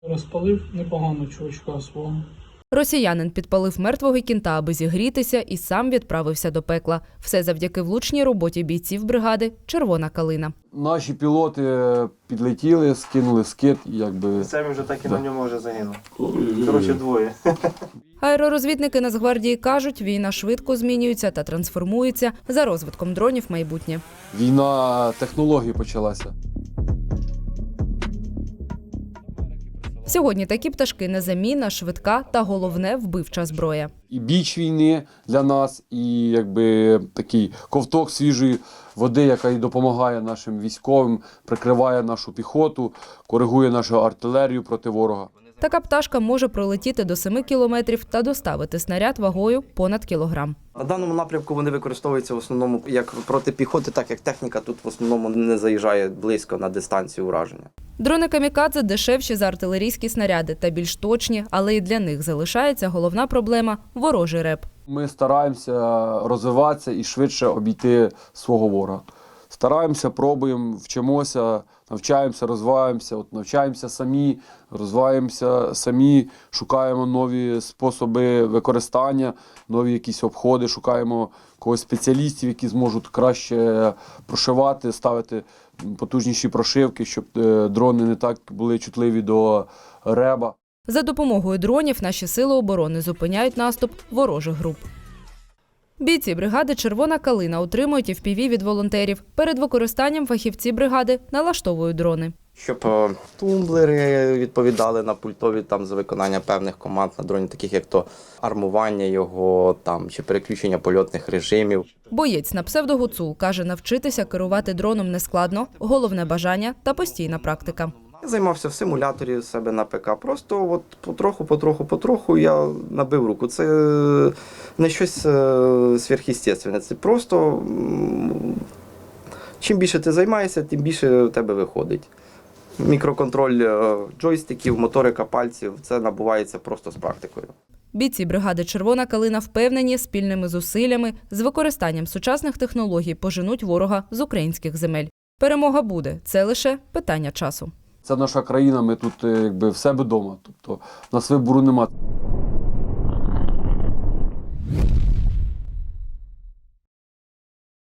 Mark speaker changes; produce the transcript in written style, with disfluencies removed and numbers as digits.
Speaker 1: Розпалив непогано чувачка свого.
Speaker 2: Росіянин підпалив мертвого кінта, аби зігрітися, і сам відправився до пекла. Все завдяки влучній роботі бійців бригади «Червона калина».
Speaker 3: Наші пілоти підлетіли, скинули скид,
Speaker 4: Це він вже так і на ньому вже загинув. Коротше, двоє.
Speaker 2: Аеророзвідники Нацгвардії кажуть, війна швидко змінюється та трансформується за розвитком дронів майбутнє.
Speaker 3: Війна технологій почалася.
Speaker 2: Сьогодні такі пташки незамінна, швидка та, головне, вбивча зброя.
Speaker 3: І біч війни для нас, і такий ковток свіжої води, яка і допомагає нашим військовим, прикриває нашу піхоту, коригує нашу артилерію проти ворога.
Speaker 2: Така пташка може пролетіти до 7 кілометрів та доставити снаряд вагою понад кілограм.
Speaker 4: На даному напрямку вони використовуються в основному як проти піхоти, так як техніка тут в основному не заїжджає близько на дистанцію ураження.
Speaker 2: Дрони «Камікадзе» дешевші за артилерійські снаряди та більш точні, але і для них залишається головна проблема – ворожий реп.
Speaker 3: Ми стараємося розвиватися і швидше обійти свого ворога. Стараємося, пробуємо, вчимося, навчаємося, розвиваємося, навчаємося самі, розвиваємося самі, шукаємо нові способи використання, нові якісь обходи, шукаємо когось спеціалістів, які зможуть краще прошивати, ставити потужніші прошивки, щоб дрони не так були чутливі до реба.
Speaker 2: За допомогою дронів наші сили оборони зупиняють наступ ворожих груп. Бійці бригади «Червона калина» отримують FPV від волонтерів. Перед використанням фахівці бригади налаштовують дрони.
Speaker 4: Щоб тумблери відповідали на пультові за виконання певних команд на дроні, таких як то армування його чи переключення польотних режимів.
Speaker 2: Боєць на псевдо-Гуцул каже, навчитися керувати дроном нескладно, головне бажання та постійна практика.
Speaker 4: Я займався в симуляторі у себе на ПК. Просто потроху я набив руку. Це не щось сверхъестественне. Це просто чим більше ти займаєшся, тим більше в тебе виходить. Мікроконтроль джойстиків, моторика пальців – це набувається просто з практикою.
Speaker 2: Бійці бригади «Червона калина» впевнені, спільними зусиллями, з використанням сучасних технологій поженуть ворога з українських земель. Перемога буде – це лише питання часу.
Speaker 3: Це наша країна, ми тут в себе вдома, тобто у нас вибору немає.